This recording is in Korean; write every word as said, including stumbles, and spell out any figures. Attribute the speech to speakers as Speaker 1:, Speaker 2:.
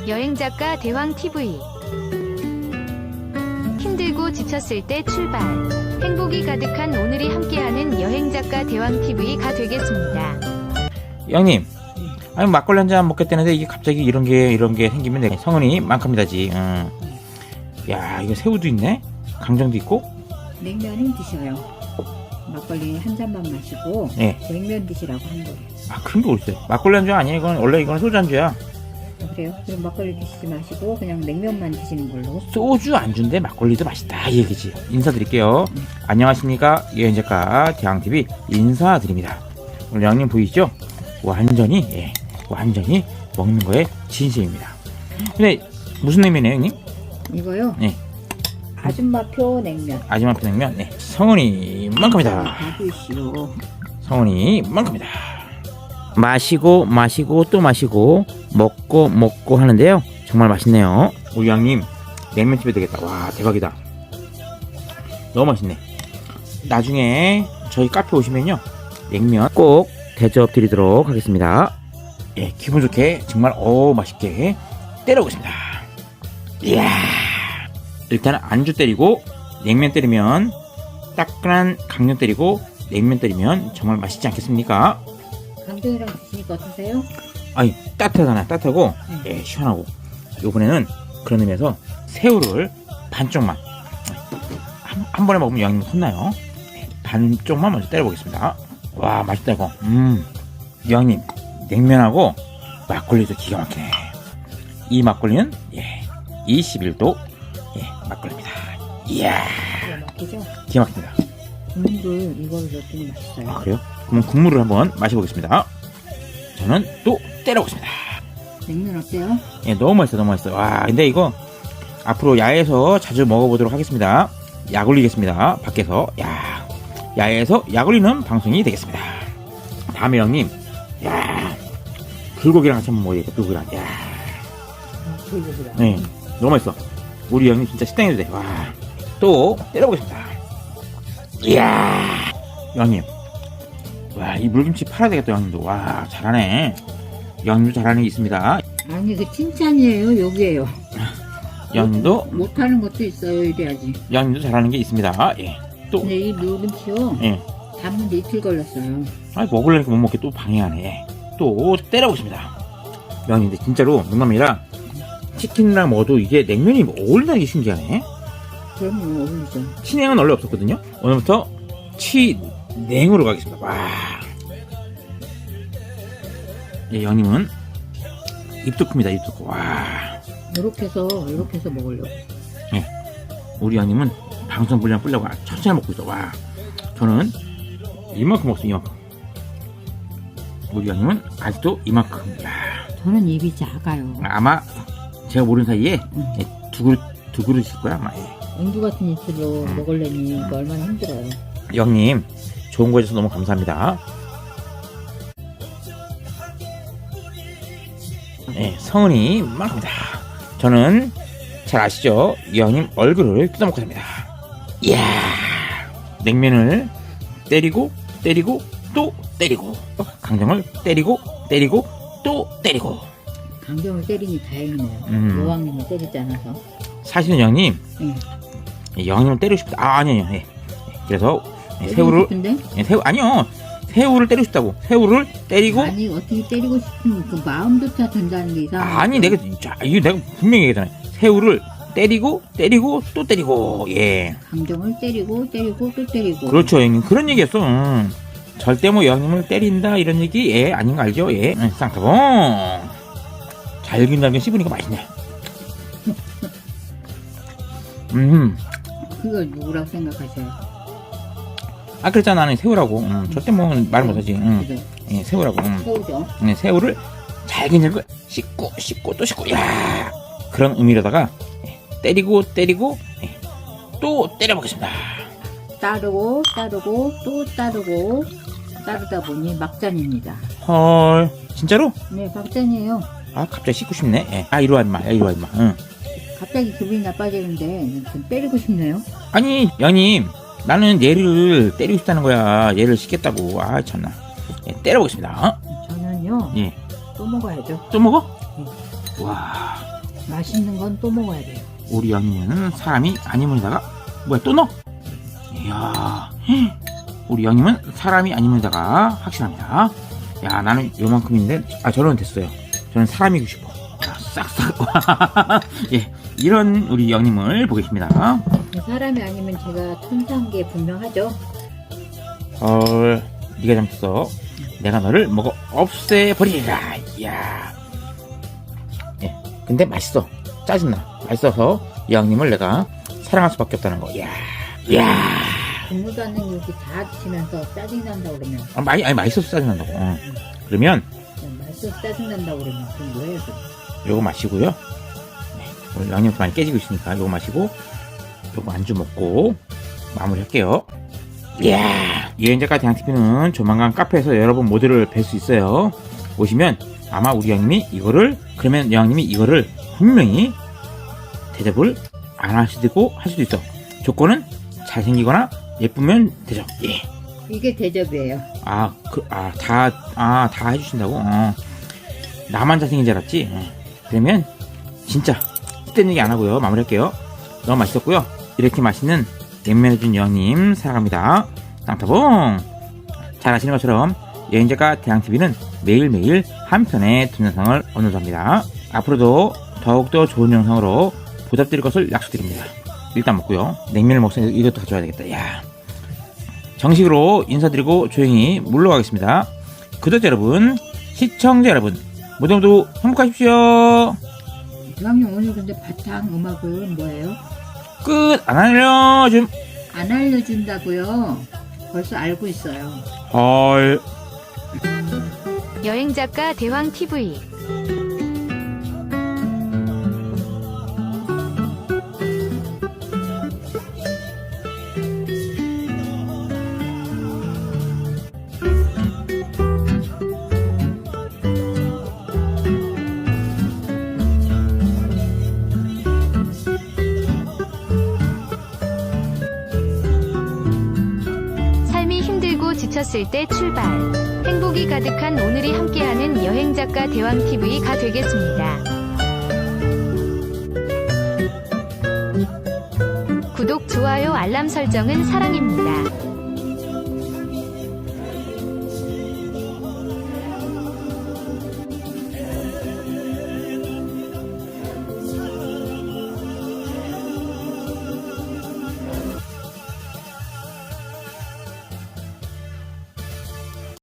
Speaker 1: 여행작가 대왕티비. 힘들고 지쳤을 때 출발. 행복이 가득한 오늘이 함께하는 여행작가 대왕티비가 되겠습니다.
Speaker 2: 형님, 아니 막걸리 한 잔 먹겠다는데 이게 갑자기 이런 게 이런 게 생기면 내 성은이 만큼이다지. 응. 야, 이거 새우도 있네. 강정도 있고.
Speaker 3: 냉면은 드셔요. 막걸리 한 잔만 마시고
Speaker 2: 네.
Speaker 3: 냉면 드시라고 한 거예요.
Speaker 2: 아, 그런 게 어딨어요? 막걸리 안주 아니야? 이건 원래 이건 소주 안주야.
Speaker 3: 아, 그래요? 그럼 막걸리 드시지 마시고 그냥 냉면만 드시는 걸로.
Speaker 2: 소주 안주인데 막걸리도 맛있다 이 얘기지. 인사드릴게요.
Speaker 3: 네.
Speaker 2: 안녕하십니까, 여행작가 대왕티비 인사드립니다. 오늘 형님 보이시죠? 완전히 예, 완전히 먹는 거에 진심입니다. 근데 무슨 냉면이에요, 형님?
Speaker 3: 이거요?
Speaker 2: 네.
Speaker 3: 아줌마표 냉면.
Speaker 2: 아줌마표 냉면. 네. 성은이만큼이다.
Speaker 3: 봐주시오.
Speaker 2: 성은이만큼이다. 마시고 마시고 또 마시고 먹고 먹고 하는데요, 정말 맛있네요. 우리 형님 냉면집에 되겠다. 와, 대박이다. 너무 맛있네. 나중에 저희 카페 오시면요, 냉면 꼭 대접 드리도록 하겠습니다. 예, 기분 좋게 정말 오 맛있게 때려보겠습니다. 이야, 일단 안주 때리고 냉면 때리면, 따끈한 강정 때리고 냉면 때리면 정말 맛있지 않겠습니까?
Speaker 3: 강정이랑 드시니까 어떠세요?
Speaker 2: 아니, 따뜻하잖아요. 따뜻하고
Speaker 3: 네.
Speaker 2: 예, 시원하고. 요번에는 그런 의미에서 새우를 반쪽만, 한, 한 번에 먹으면 양이 혼나요. 예, 반쪽만 먼저 때려보겠습니다. 와, 맛있다 이거. 음, 양님 냉면하고 막걸리도 기가 막히네. 이 막걸리는 예, 이십일 도 예, 막걸리입니다. 이야,
Speaker 3: 기가 막히죠?
Speaker 2: 기가 막힙니다.
Speaker 3: 국물을 이걸로 넣으면 맛있어요.
Speaker 2: 아, 그래요? 그럼 국물을 한번 마셔보겠습니다. 저는 또 때려보겠습니다.
Speaker 3: 냉면 어때요?
Speaker 2: 예, 너무 맛있어, 너무 맛있어. 와, 근데 이거 앞으로 야외에서 자주 먹어보도록 하겠습니다. 약 올리겠습니다. 밖에서. 야, 야외에서 약 올리는 방송이 되겠습니다. 다음에 형님, 야, 불고기랑 같이 한번 먹어야겠다. 불고기랑. 야,
Speaker 3: 불고기랑.
Speaker 2: 네, 너무 맛있어. 우리 형님 진짜 식당에도 돼. 와, 또 때려보겠습니다. 이야, 형님. 와, 이 물김치 팔아야 되겠다, 형님도. 와, 잘하네. 형님도 잘하는 게 있습니다.
Speaker 3: 아니 그 칭찬이에요. 여기에요.
Speaker 2: 형님도,
Speaker 3: 못하는 것도 있어요. 이래야지.
Speaker 2: 형님도 잘하는 게 있습니다. 예. 또,
Speaker 3: 근데 이 물김치요.
Speaker 2: 예.
Speaker 3: 담는데 이틀 걸렸어요.
Speaker 2: 아, 먹으려니까 못 먹게 또 방해하네. 또 때려보겠습니다. 형님, 근데 진짜로 농담이라 치킨이랑 먹어도 이게 냉면이 어울리는 게 신기하네.
Speaker 3: 그러면 어울리죠.
Speaker 2: 치냉은 원래 없었거든요. 오늘부터 치냉으로 가겠습니다. 와. 예, 형님은 입도 큽니다. 입도 커. 와.
Speaker 3: 이렇게 해서 이렇게 해서 먹으려고.
Speaker 2: 예. 우리 형님은 방송 분량 뿌려고 천천히 먹고 있어. 와. 저는 이만큼 먹었어. 이만큼. 우리 형님은 아직도 이만큼. 야.
Speaker 3: 저는 입이 작아요.
Speaker 2: 아마 제가 모르는 사이에
Speaker 3: 응.
Speaker 2: 예, 두 그릇 두 그릇일 거야 아마. 예.
Speaker 3: 앵두 같은 입술로
Speaker 2: 음.
Speaker 3: 먹으려니 이거 얼마나 힘들어요.
Speaker 2: 형님, 좋은 거 해줘서 너무 감사합니다. 네, 성은이 만큼이다. 저는 잘 아시죠? 이 형님 얼굴을 뜯어먹고 삽니다. 이야, 냉면을 때리고 때리고 또 때리고, 강정을 때리고 때리고 또 때리고.
Speaker 3: 강정을 때리니 다행이네요.
Speaker 2: 음.
Speaker 3: 여왕님을 때리지 않아서.
Speaker 2: 사실은 형님,
Speaker 3: 응.
Speaker 2: 예, 형님을 때리고 싶다. 아, 아니에요. 예. 예, 그래서 예,
Speaker 3: 때리고
Speaker 2: 새우를
Speaker 3: 싶은데?
Speaker 2: 예, 새우 아니요. 새우를 때리고 싶다고. 새우를 때리고.
Speaker 3: 아니 어떻게 때리고 싶으면 그 마음조차 든다는 게 이상해.
Speaker 2: 아니, 내가 자, 이거 내가 분명히 얘기했잖아요. 새우를 때리고 때리고 또 때리고. 예.
Speaker 3: 강정을 때리고 때리고 또 때리고.
Speaker 2: 그렇죠, 형님. 그런 얘기했어. 음. 절대 뭐 형님을 때린다 이런 얘기 예 아닌 거 알죠? 예. 응, 쌍꺼봉. 잘긴달긴 씹으니까 맛있네. 음.
Speaker 3: 그걸 누구라고 생각하셔요?
Speaker 2: 아, 그랬잖아. 나는 새우라고. 음, 절대 뭐 말 못하지. 음.
Speaker 3: 그죠?
Speaker 2: 예, 새우라고. 음.
Speaker 3: 새우죠.
Speaker 2: 네, 새우를 잘긴잘긴 씹고 씹고 또 씹고. 야, 그런 의미로다가 예, 때리고 때리고 예, 또 때려보겠습니다.
Speaker 3: 따르고 따르고 또 따르고 따르다 보니 막잔입니다.
Speaker 2: 헐, 진짜로?
Speaker 3: 네, 막잔이에요.
Speaker 2: 아, 갑자기 씹고 싶네. 예. 아, 이리 와 임마. 야, 이리 와 임마. 응.
Speaker 3: 갑자기 기분이 나빠지는데 좀 때리고 싶네요.
Speaker 2: 아니, 양님, 나는 얘를 때리고 싶다는 거야. 얘를 씹겠다고. 아, 참나. 예, 때려보겠습니다. 어?
Speaker 3: 저는요
Speaker 2: 예.
Speaker 3: 또 먹어야죠.
Speaker 2: 또 먹어?
Speaker 3: 네.
Speaker 2: 와.
Speaker 3: 맛있는 건 또 먹어야 돼요.
Speaker 2: 우리 양님은 사람이 아니면에다가 뭐야 또 넣어? 이야 우리 양님은 사람이 아니면에다가 확실합니다. 야 나는 요만큼인데 아 저는 됐어요. 저는 사람이고 싶어. 자, 싹싹 예 이런 우리 양님을 보겠습니다.
Speaker 3: 사람이 아니면 제가 천사한 게 분명하죠.
Speaker 2: 헐 네가 잘못했어. 내가 너를 먹어 없애버리리라. 이야 예 근데 맛있어. 짜증나. 맛있어서 이 양님을 내가 사랑할 수밖에 없다는 거. 이야 이야
Speaker 3: 국물도 안 넣는 이렇게 다 드시면서 짜증난다고 그러면
Speaker 2: 아, 많이 아니 맛있어서 짜증난다고. 어. 그러면
Speaker 3: 그냥 맛있어서 짜증난다고 그러면 그럼 뭐예요? 그럼?
Speaker 2: 요거 마시고요. 네, 오늘 양념도 많이 깨지고 있으니까 요거 마시고 요거 안주 먹고 마무리할게요. 이야 여행작가 대항티비는 조만간 카페에서 여러분 모두를 뵐 수 있어요. 오시면 아마 우리 양님이 이거를 그러면 양님이 이거를 분명히 대접을 안 하시고 할 수도 있어. 조건은 잘생기거나 예쁘면 되죠. 예.
Speaker 3: 이게 대접이에요.
Speaker 2: 아, 그, 아, 다, 아, 다 해주신다고? 어. 나만 잘생긴 줄 알았지? 어. 그러면, 진짜, 쓸데있는 얘기 안 하고요. 마무리할게요. 너무 맛있었고요. 이렇게 맛있는 냉면 해준 여왕님, 사랑합니다. 땅타봉! 잘 아시는 것처럼, 여행작가 대항티비는 매일매일 한 편의 동영상을 업로드합니다. 앞으로도 더욱더 좋은 영상으로 보답드릴 것을 약속드립니다. 일단 먹고요. 냉면을 먹으니 이것도 가져와야 되겠다. 야. 정식으로 인사드리고 조용히 물러가겠습니다. 구독자 여러분, 시청자 여러분, 모두 모두 행복하십시오.
Speaker 3: 대왕님 오늘 근데 바탕 음악은 뭐예요?
Speaker 2: 끝! 안 알려줌.
Speaker 3: 안 알려준다고요? 벌써 알고 있어요.
Speaker 2: 헐.
Speaker 1: 여행작가 대왕티비 삶이 힘들고 지쳤을 때 출발. 행복이 가득한 오늘이 함께하는 여행작가 대왕티비가 되겠습니다. 구독, 좋아요, 알람 설정은 사랑입니다.